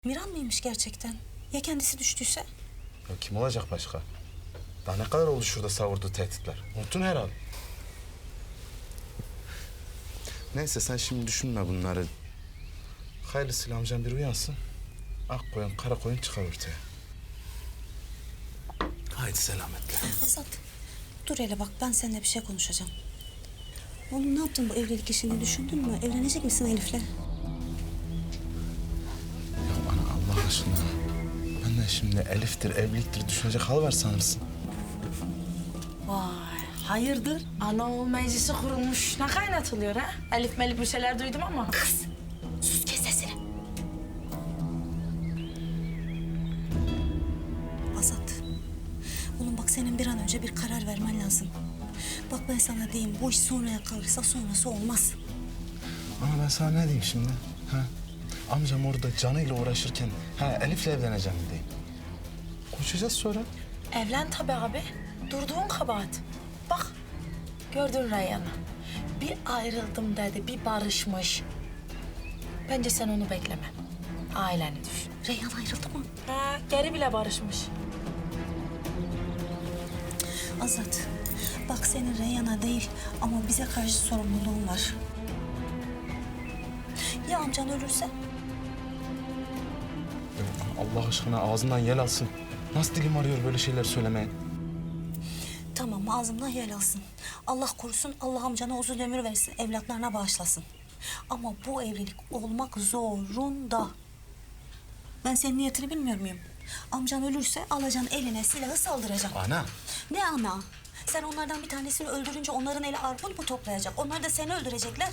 Miran mıymış gerçekten? Ya kendisi düştüyse? Ya kim olacak başka? Daha ne kadar oldu şurada savurduğu tehditler? Unuttun herhalde. Neyse sen şimdi düşünme bunları. Hayırlısıyla amcam bir uyansın. Ak koyun, kara koyun çıkar ortaya. Haydi selametle. Azat, dur hele bak ben seninle bir şey konuşacağım. Oğlum ne yaptın bu evlilik işini düşündün mü? Evlenecek misin Elif'le? Ya ana Allah aşkına. Ben de şimdi Elif'tir, evliliktir düşünecek hal var sanırsın. Vay, hayırdır? Anaoğul meclisi kurulmuş. Ne kaynatılıyor ha? Elif melif bir şeyler duydum ama. Kız, sus kes sesini. Azat, oğlum bak senin bir an önce bir karar vermen lazım. Bak ben sana diyeyim, bu iş sonraya kalırsa sonrası olmaz. Ama ben sana ne diyeyim şimdi? Ha? Amcam orada canıyla uğraşırken Elif'le evleneceğim mi diyeyim? Konuşacağız sonra. Evlen tabii abi. Durduğun kabahat. Bak, gördün Reyhan'ı. Bir ayrıldım dedi, bir barışmış. Bence sen onu bekleme. Aileni düşün. Reyhan ayrıldı mı? Ha, geri bile barışmış. Azat, bak senin Reyhan'a değil ama bize karşı sorumluluğun var. Ya amcan ölürse? Ya Allah aşkına ağzından yel alsın. Nasıl dilim arıyor böyle şeyler söylemeye? Tamam ağzımdan yel alsın. Allah korusun, Allah amcana uzun ömür versin, evlatlarına bağışlasın. Ama bu evlilik olmak zorunda. Ben senin niyetini bilmiyor muyum? Amcan ölürse alacaksın eline silahı saldıracaksın. Ana. Ne ana? Sen onlardan bir tanesini öldürünce onların eli arpun mu toplayacak? Onlar da seni öldürecekler.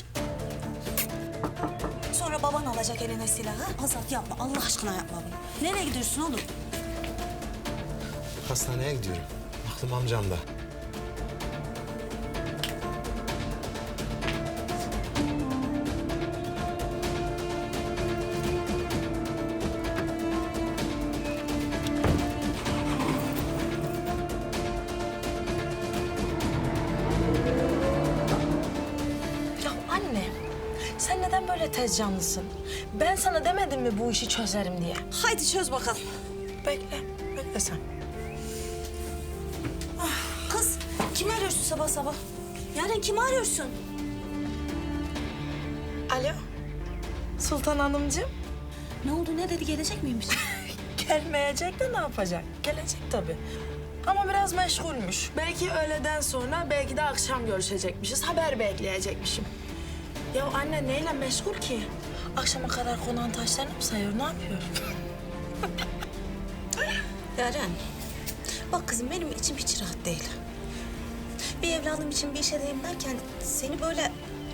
Sonra baban alacak eline silahı. Azat yapma, Allah aşkına yapma bunu. Nereye gidiyorsun oğlum? Hastaneye gidiyorum. Aklım amcamda. Ya anne, sen neden böyle tez canlısın? Ben sana demedim mi bu işi çözerim diye? Haydi çöz bakalım. Bekle, bekle sen. Kız, kimi arıyorsun sabah sabah? Yarın kimi arıyorsun? Alo, Sultan Hanımcığım. Ne oldu, ne dedi, gelecek miymiş? Gelmeyecek de ne yapacak? Gelecek tabii. Ama biraz meşgulmüş. Belki öğleden sonra, belki de akşam görüşecekmişiz. Haber bekleyecekmişim. Ya anne neyle meşgul ki? Akşama kadar konağın taşlarını mı sayıyor, ne yapıyor? Yaren, bak kızım benim içim hiç rahat değil. Bir evladım için bir işe deyim derken seni böyle...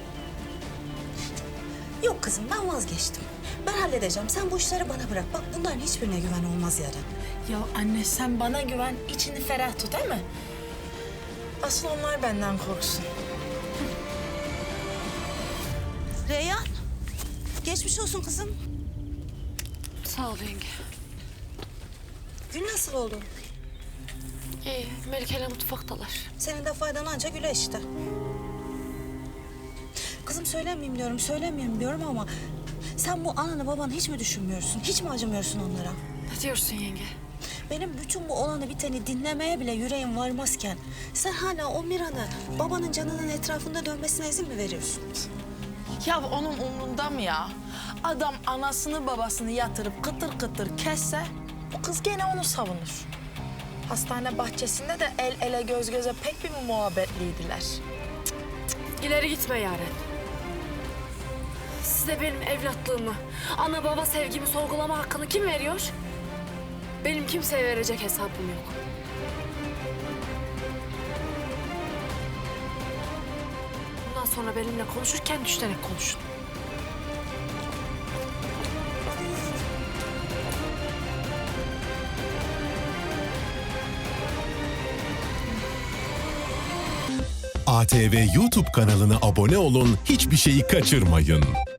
Yok kızım ben vazgeçtim. Ben halledeceğim. Sen bu işleri bana bırak. Bak bunların hiçbirine güven olmaz Yaren. Ya anne sen bana güven, içini ferah tut değil mi? Asıl onlar benden korksun. Reyhan, geçmiş olsun kızım. Sağ ol yenge. Gün nasıl oldu? İyi, Melike'yle mutfaktalar. Senin de faydan anca güle işte. Kızım söylemeyeyim diyorum, söylemiyorum diyorum ama... Sen bu ananı babanı hiç mi düşünmüyorsun? Hiç mi acımıyorsun onlara? Ne diyorsun yenge? Benim bütün bu olanı biteni dinlemeye bile yüreğim varmazken... Sen hala o Miran'ı babanın canının etrafında dönmesine izin mi veriyorsun? Ya onun umrunda mı ya? Adam anasını babasını yatırıp kıtır kıtır kesse... ...bu kız gene onu savunur. Hastane bahçesinde de el ele göz göze pek bir muhabbetliydiler. İleri gitme Yaren. Size benim evlatlığımı, ana baba sevgimi sorgulama hakkını kim veriyor? Benim kimseye verecek hesabım yok. Bundan sonra benimle konuşurken düşünerek konuşun. ATV YouTube kanalına abone olun, hiçbir şeyi kaçırmayın.